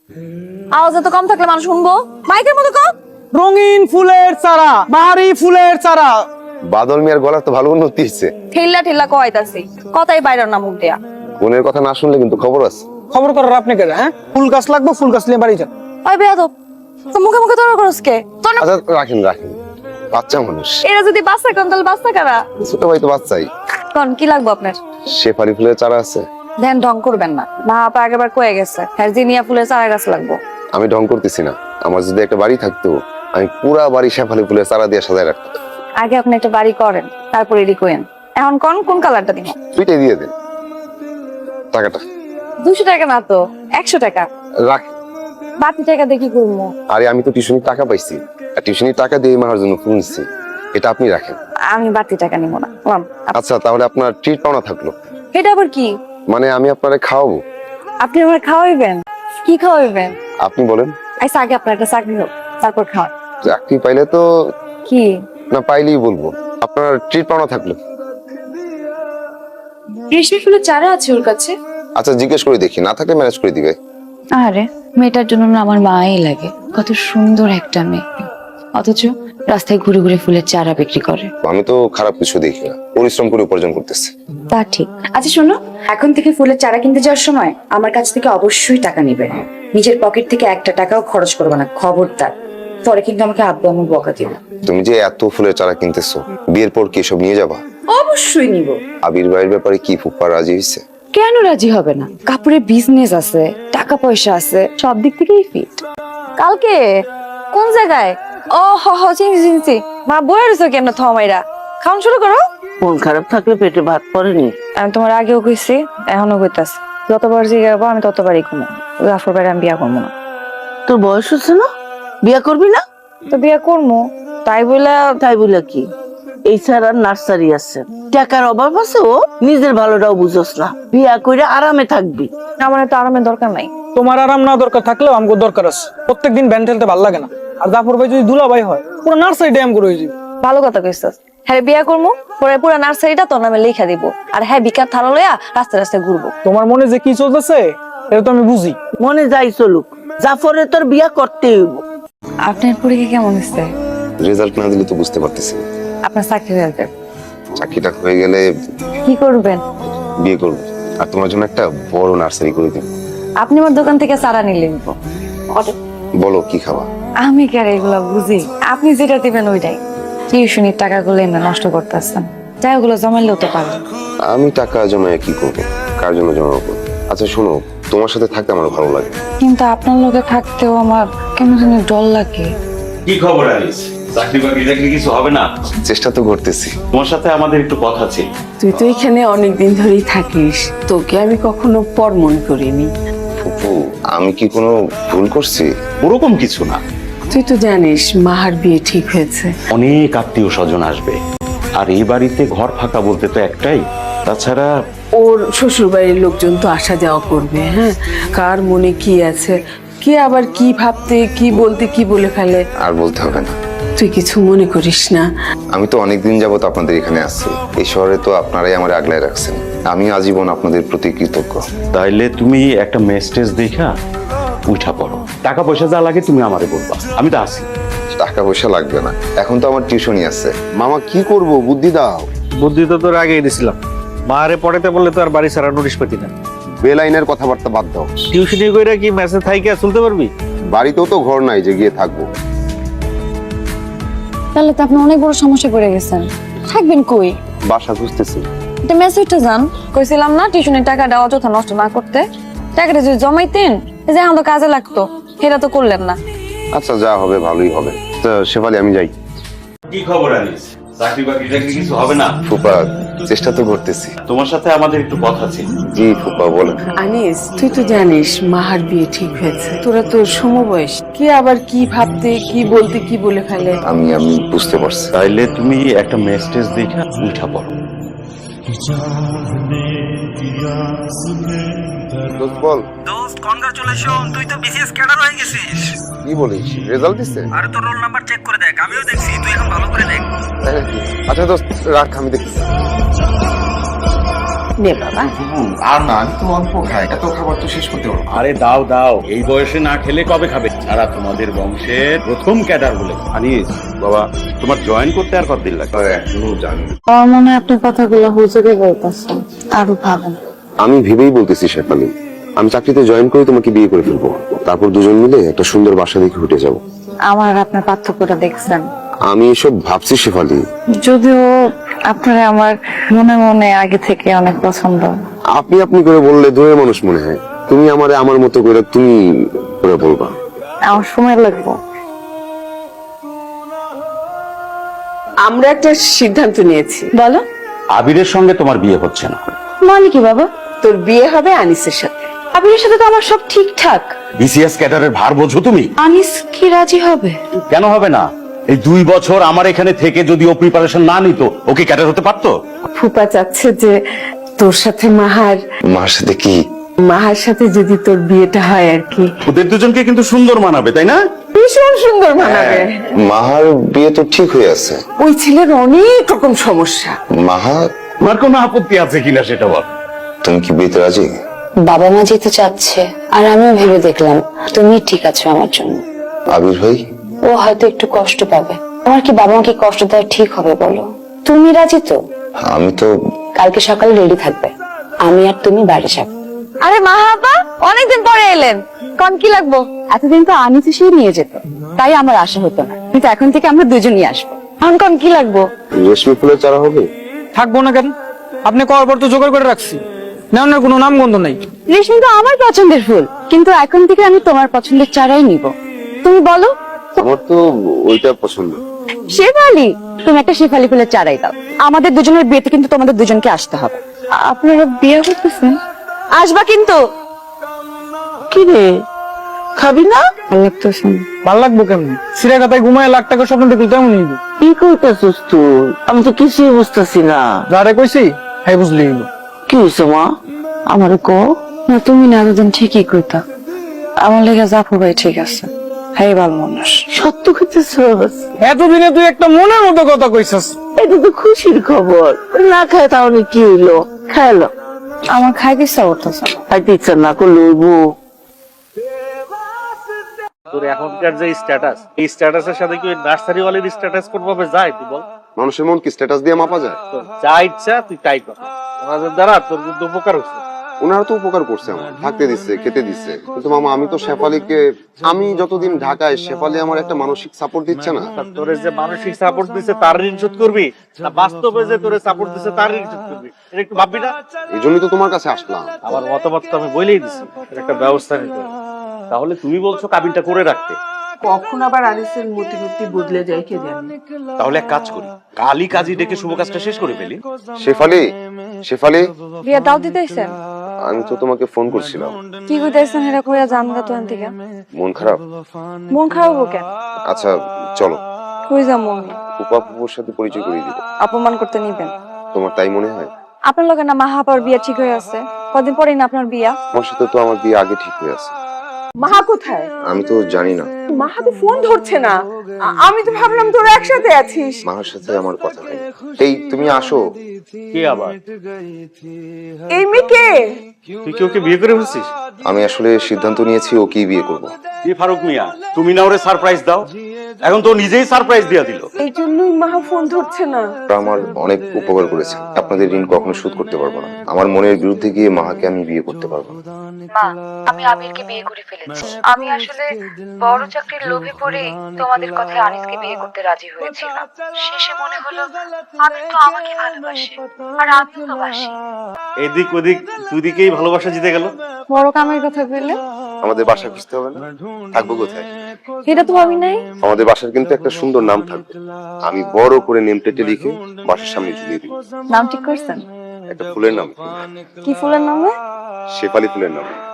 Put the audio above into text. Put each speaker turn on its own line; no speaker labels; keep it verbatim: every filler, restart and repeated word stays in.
আওয়াজ এত কম থাকলে মানুষ শুনবো, মাইকের মতো কম।
রঙিন ফুলের চারা, বাহারি ফুলের চারা।
বাদল মিয়ার গলা তো ভালো উন্নতি হয়েছে।
ঠেল্লা ঠেল্লা কয়তাছি, কথাই বাইরে না মুখ দেয়া।
বোনের কথা না শুনলে কিন্তু খবর আছে।
খবর করার আপনি কে? হ্যাঁ, ফুল গাছ লাগবে, ফুল গাছ নিয়ে বাড়ি যান।
ওই বেয়াদব, তো মুখে মুখে তোর করস কে? তোর না
আচ্ছা রাখেন রাখেন, বাচ্চা মানুষ।
এরা যদি বাচ্চা কোন তাহলে বাচ্চা কারা?
ছোট ভাই তো বাচ্চাই।
কোন কি লাগবে আপনার?
শেফালি ফুলের চারা আছে?
ধ্যান ঢং করবেন না, মা আপা আগেবার কয়ে গেছে হারজিনিয়া ফুলের চারা গাছ লাগবো।
আমি ঢং করতেছি না, আমার যদি একটা বাড়ি থাকতো আমি পুরা বাড়ি শেফালি ফুলের চারা দিয়ে সাজায় রাখতাম।
আগে আপনি একটা বাড়ি করেন, তারপর এডি কোয়েন। এখন কোন কোন কালারটা দিব?
দুইটাই দিয়ে দেন। টাকাটা
দুশো টাকা না তো, একশো টাকা।
রাখ।
বাকি টাকা দিয়ে কি করবো?
আরে আমি তো টিউশনির টাকা পাইছি, আর টিউশনির টাকা দিয়ে মার জন্য ফুল নিচ্ছি, এটা আপনি রাখেন।
আমি বাড়তি টাকা নিব না। লাম, আপ-
আচ্ছা তাহলে আপনার ট্রিট পাওনা থাকলো।
এটা আবার কি?
মানে আমি আপনারে খাওয়াবো।
আপনি আমার খাওয়াইবেন? কি খাওয়াইবেন?
আপনি বলেন।
আচ্ছা আগে আপনার একটা চাকরি হোক, তারপর খাওয়ান।
চাকরি পাইলে তো
কি?
না, পাইলেই বলবো। আপনার ট্রিট পাওনা থাকলো।
রেশমি ফুলের চারা আছে ওর কাছে?
আচ্ছা জিজ্ঞেস করে দেখি, না থাকলে ম্যানেজ করে দিবে।
আরে মেয়েটার জন্য না আমার মাই লাগে, কত সুন্দর একটা মেয়ে, অথচ রাস্তায় ঘুরে ঘুরে ফুলের চারা বিক্রি করে।
আমি তো খারাপ কিছু দেখি না, পরিশ্রম করে উপার্জন করতেছে।
তা ঠিক। আচ্ছা শোনো, এখন থেকে ফুলের চারা কিনতে যাওয়ার সময় আমার কাছ থেকে অবশ্যই টাকা নিবে, নিজের পকেট থেকে একটা টাকাও খরচ করবে না, খবরদার। পরে কিন্তু আমাকে আব্বু আম্মু বকা দিবে।
তুমি যে এত ফুলের চারা কিনতেছো, বিয়ের পর কি সব নিয়ে যাবা?
অবশ্যই নিব।
আবির ভাইয়ের ব্যাপারে কি ফুপ্পা রাজি হয়েছে?
কেন রাজি হবে না? কাপড়ের বিজনেস আছে, টাকা পয়সা আছে, সব দিক থেকেই ফিট।
কালকে কোন জায়গায়? ও হ হ চিনছি চিনছি। মা বয়ে রয়েছে কেমন থমাইরা? খাওয়ান শুরু করো।
মন খারাপ থাকলে পেটে ভাত পড়েনি।
আমি তোমার আগেও কইছি, এখনো কইতাছি, যতবার জিগাবো আমি ততবারই কমো। জাফর ভাইয়ের আমি বিয়া করবো না।
তোর বয়স হচ্ছে না, বিয়া করবি না?
তো বিয়া করবো, তাই বলে
তাই বলে কি? এই ছাড়া নার্সারি আছে, টাকার অভাব আছে, ও নিজের ভালোটাও বুঝোস না। বিয়া করে আরামে থাকবি।
আমার তো আরামের দরকার নাই।
তোমার আরাম না দরকার থাকলেও আমাকে দরকার আছে। প্রত্যেকদিন ব্যান্ড ঠেলতে ভালো লাগে না। আর জাফর ভাই যদি দুলা ভাই হয়, পুরো নার্সারি ড্যাম করে হয়ে যাবে।
ভালো কথা কইছস। হ্যাঁ বিয়া করবো, পরে পুরো নার্সারিটা তোর নামে লিখা দিব, আর হ্যাঁ বিকার থালা লইয়া রাস্তায় রাস্তায় ঘুরবো।
তোমার মনে যে কি চলতেছে এটা তো আমি বুঝি।
মনে যাই চলুক, জাফরে তোর বিয়া করতেই হইব।
আপনার পরীক্ষা কেমন হচ্ছে?
রেজাল্ট না দিলে তো বুঝতে পারতেছি না।
আপনার চাকরি হয়ে যাবে।
চাকরিটা হয়ে গেলে
কি করবেন?
বিয়ে করবো, আর তোমার জন্য একটা বড় নার্সারি করে দিব।
আপনি আমার দোকান থেকে চারা নিলে নিব।
বলো কি খাওয়া?
আমি কি আর এগুলা বুঝি? আপনি যেটা দিবেন ওইটাই। টিউশনির টাকাগুলো এমনি নষ্ট করতেছেন, তাই ওগুলো জমাইলেও তো পারবেন।
আমি টাকা জমায় কি করবো, কার জন্য জমাবো? আচ্ছা শোনো, তোমার সাথে থাকতে আমার ভালো লাগে।
কিন্তু আপনার লোকে থাকতেও আমার কেন জানি ডর লাগে।
কি খবর আলিস? চাকরি বাকরি চাকরি কিছু হবে না?
চেষ্টা তো করতেছি।
তোমার সাথে আমাদের একটু কথা ছিল।
তুই তো এখানে অনেকদিন ধরেই থাকিস, তোকে আমি কখনো পর মনে করিনি।
ফুপু, আমি কি কোনো ভুল করছি?
ওরকম কিছু না,
তুই তো জানিস মাহার বিয়ে ঠিক হয়েছে।
অনেক আত্মীয় স্বজন আসবে, আর এই বাড়িতে ঘর ফাঁকা বলতে তো একটাই। তাছাড়া
ওর শ্বশুর বাড়ির লোকজন তো আসা যাওয়া করবে। হ্যাঁ, কার মনে কি আছে, কে আবার কি ভাবতে কি বলতে কি বলে ফেলে।
আর বলতে হবে না।
তুই কিছু মনে করিস না।
আমি তো অনেকদিন যাবত আপনাদের এখানে আসছি, এই শহরে তো আপনারাই আমার আগলায় রাখছেন। আমি আজীবন আপনাদের প্রতি কৃতজ্ঞ।
তাইলে তুমি একটা মেসেজ দেখা উঠা পড়ো, টাকা পয়সা যা লাগে তুমি আমারে বলবা, আমি তো আছি।
টাকা পয়সা লাগবে না, এখন তো আমার টিউশনই আছে। মামা কি করব, বুদ্ধি দাও।
বুদ্ধি তো তোর আগেই দিছিলাম, মারে পড়াতে বললে তো আর বাড়ি ছাড়া নোটিশ পেতি না।
বেলাইনের কথাবার্তা বাদ দাও।
টিউশনি কইরা কি মেসেজ থাইকা চলতে পারবি?
বাড়িতেও তো ঘর নাই যে গিয়ে থাকবো।
তাহলে তো আপনি অনেক বড় সমস্যা পড়ে গেছেন। থাকবেন কই?
বাসা খুঁজতেছি।
এটা মেসেজটা জান, কইছিলাম না টিউশনের টাকাটা অযথা নষ্ট না করতে। টাকাটা যদি জমাইতেন, এই যে আমাদের কাজে লাগতো, সেটা তো করলেন না।
আচ্ছা যা হবে ভালোই হবে। তো শেফালি আমি যাই।
কি খবর আলিস? চাকরি বাকরি চাকরি কিছু হবে না?
ফুপা, চেষ্টা তো করতেছি।
তোমার সাথে আমাদের একটু কথা ছিল।
জি ফুপা বলো।
আনিস, তুই তো জানিস মাহার বিয়ে ঠিক হয়েছে। তোরা তো সমবয়স, কে আবার কি ভাবতে কি বলতে কি বলে ফেলে।
আমি আমি বুঝতে পারছি।
তাইলে তুমি একটা মেসেজ দেখা উঠা পড়ো।
দোস্ত বল।
দোস্ত কনগ্রাচুলেশন, তুই তো বিসিএস ক্যাডার হয়ে গেছিস।
কি বলিস, রেজাল্ট দিছে?
আরে তোর রোল নাম্বার চেক করে দেখ, আমিও দেখছি, তুই এখন ভালো করে দেখ।
তাই নাকি? আচ্ছা দোস্ত রাখ, আমি দেখছি।
নে বাবা
আর না আমি তো অল্প খাই, এত খাবার তো শেষ করতে পারবো না।
আরে দাও দাও, এই বয়সে না খেলে কবে খাবে? সারা তোমাদের বংশের প্রথম ক্যাডার বলে। আনিস বাবা, তোমার জয়েন করতে আর কতদিন লাগবে?
আর এখনো জানি না।
আমার মনে হয় আপনি কথাগুলো হুজুরে বলতেছেন, আরো ভাবেন।
আমি ভেবেই বলতেছি শেফালি, আমি চাকরিতে জয়েন করে তোমাকে বিয়ে করে ফেলবো, তারপর দুজন মিলে একটা সুন্দর বাসা দেখে উঠে যাব।
আমার আর আপনার পার্থক্যটা দেখছেন।
আমি এসব ভাবছি শেফালি।
যদিও আপনার আমার মনে মনে আগে থেকে অনেক পছন্দ।
আপনি আপনি করে বললে দূরের মানুষ মনে হয়, তুমি আমারে আমার মতো করে তুমি করে বলবা।
আমার সময় লাগবে।
আমরা একটা সিদ্ধান্ত নিয়েছি।
বলো।
আবিরের সঙ্গে তোমার বিয়ে হচ্ছে না।
মানে কি বাবা?
তোর বিয়ে হবে আনিসের সাথে।
আবিরের সাথে তো আমার সব ঠিকঠাক।
বিসিএস ক্যাডারের ভার বোঝো তুমি?
আনিস কি রাজি হবে?
কেন হবে না? এই দুই বছর আমার এখানে থেকে যদি ও প্রিপারেশন না নিত, ও কি ক্যাডার হতে পারতো?
ফুপা চাচ্ছে যে তোর সাথে মাহার
মার সাথে কি?
মাহার সাথে যদি তোর বিয়েটা হয় আর কি।
ওদের দুজনকে কিন্তু সুন্দর মানাবে, তাই না?
ভীষণ সুন্দর মানাবে।
মাহার বিয়ে তো ঠিক হয়ে আছে।
ওই ছেলের অনেক রকম সমস্যা।
মাহা,
তোমার কোনো আপত্তি আছে কিনা সেটা বল।
তুমি কি বিয়েতে রাজি?
বাবা মা যেতে চাচ্ছে আর আমিও ভেবে দেখলাম তুমি ঠিক আছো আমার জন্য।
আবির ভাই?
ও হয়তো একটু কষ্ট পাবে। আমার কি বাবা মাকে কষ্ট দেওয়া ঠিক হবে বলো? তুমি রাজি তো?
আমি তো।
কালকে সকালে রেডি থাকবে, আমি আর তুমি বাড়ি যাবো।
আরে মা আপা, অনেকদিন পরে এলেন, কোন কি লাগবো?
এতদিন তো আনিস এসেই নিয়ে যেত, তাই আমার আশা হতো না, কিন্তু এখন থেকে আমরা দুজনই আসবো।
এখন কোন কি লাগবো?
রেশমি ফুলের চারা হবে?
থাকবো না কেন? আপনি করার পর তো জোগাড় করে রাখছি, নেওয়ার কোনো নাম গন্ধ নাই।
রেশমি তো আমার পছন্দের ফুল, কিন্তু এখন থেকে আমি তোমার পছন্দের চারাই নিব। তুমি বলো।
আমার তো ওইটা পছন্দ।
শেফালি, তুমি একটা শেফালি ফুলের চারাই দাও। আমাদের দুজনের বিয়েতে কিন্তু তোমাদের দুজনকে আসতে হবে।
আপনারা বিয়ে করতেছেন?
আসবা কিন্তু।
কি রে, খাবি না?
ভালো লাগতেছে না।
ভাল লাগবো কেমনি? সিরাগাতায় ঘুমায় লাখ টাকা স্বপ্ন দেখলে তেমন নিব।
কি করতেছিস তুই? আমি তো কিছুই বুঝতেছি না।
যারে কইছি হ্যাঁ বুঝলি হইলো।
কি হয়েছে মা? আমার কো।
না তুমি না এতদিন ঠিকই কইতা, আমার লেগে জাফর ভাই ঠিক আছে, হ্যাঁ ভালো মানুষ।
সত্য করতেছিস?
এতদিনে তুই একটা মনের মতো কথা কইছস।
এটা তো খুশির খবর। না খায় তাহলে কি হইলো? খাইলো।
আমার খাইতে ইচ্ছা করতেছে না।
খাইতে ইচ্ছা না করলে হইব?
তোর এখনকার যে স্ট্যাটাস, এই স্ট্যাটাসের সাথে কি ওই নার্সারি ওয়ালের স্ট্যাটাস কোনভাবে যায় তুই বল?
মানুষের মন কি স্ট্যাটাস দিয়ে মাপা যায়?
তোর যা ইচ্ছা তুই তাই কর, আমাদের দ্বারা তোর কিন্তু উপকার হচ্ছে।
ওনারা তো উপকার করছে, আমার থাকতে দিচ্ছে, খেতে দিচ্ছে, কিন্তু মামা আমি তো শেফালিকে, আমি যতদিন ঢাকায়, শেফালি আমার একটা মানসিক সাপোর্ট দিচ্ছে না।
তা তোরে যে মানসিক সাপোর্ট দিছে তার ঋণ শোধ করবি, না বাস্তবে যে তোরে সাপোর্ট দিছে তার ঋণ শোধ করবি? এটা একটু ভাববি না?
এই জন্যই তো তোমার কাছে আসলাম।
আমার মতামত তো আমি বলেই দিছি, এর একটা ব্যবস্থা নিতে হবে। তাহলে তুমি বলছো কাবিনটা করে রাখতে,
কখন আবার আনিসের মতিগতি বদলে যায় কে জানে।
তাহলে এক কাজ করি, কালই কাজী ডেকে শুভ কাজটা শেষ করে ফেলি।
শেফালি, শেফালি,
বিয়ে দাও দিতেছেন?
আমি তো তোমাকে ফোন করছিলাম।
কি কইতেছেন হেরা কইয়া জানগা তো থেকে?
মন খারাপ?
মন খারাপ হোক কেন?
আচ্ছা চলো,
কই যাম আমি?
ফুপা ফুপুর সাথে পরিচয় করিয়ে দিব।
অপমান করতে নিবেন?
তোমার তাই মনে হয়?
আপনার লগে না মাহাপার বিয়ে ঠিক হয়ে আছে, কদিন পরেই না আপনার বিয়া।
তোমার সাথে তো আমার বিয়ে আগে ঠিক হয়ে আছে।
মাহা কোথায়?
আমি তো জানি না।
মাহা তো ফোন ধরছে না। আ- আমি তো ভাবলাম তোরা একসাথে আছিস।
মার সাথে আমার কথা হয়। এই তুমি আসো।
কি আবার?
এই মেয়েকে
তুই কি ওকে বিয়ে করে ফেলছিস?
আমি আসলে সিদ্ধান্ত নিয়েছি ওকেই বিয়ে করব।
কি ফারুক মিয়া, তুমি না ওরে সারপ্রাইজ দাও? এখন তো নিজেই সারপ্রাইজ দিয়া দিল।
এই জন্যই মাহা ফোন ধরছে না।
আমার অনেক উপকার করেছেন, আপনাদের ঋণ কখনো শোধ করতে পারবো না। আমার মনের বিরুদ্ধে গিয়ে মাকে আমি বিয়ে করতে পারবো না।
মা, আমি আবিরকে বিয়ে করে ফেলেছি। আমি আসলে বড় চাকরির লোভে পড়ে তোমাদের কথায় আনিসকে বিয়ে করতে রাজি হয়েছিলাম। শেষে মনে হলো আবির তো আমাকে ভালোবাসে আর আমিও তো বাসি।
এদিক ওদিক দুদিকেই ভালোবাসা জিতে গেল।
বড় কামের কথা বললে
আমাদের বাসা খুঁজতে হবে না? থাকবো কোথায়?
এটা তো ভাবি নাই।
আমাদের বাসার কিন্তু একটা সুন্দর নাম থাকবে, আমি বড় করে নেম প্লেটে লিখে বাসার সামনে ঝুলিয়ে দিব।
নাম ঠিক করছেন?
একটা ফুলের নাম,
কি ফুলের নামে?
শেফালি ফুলের নাম।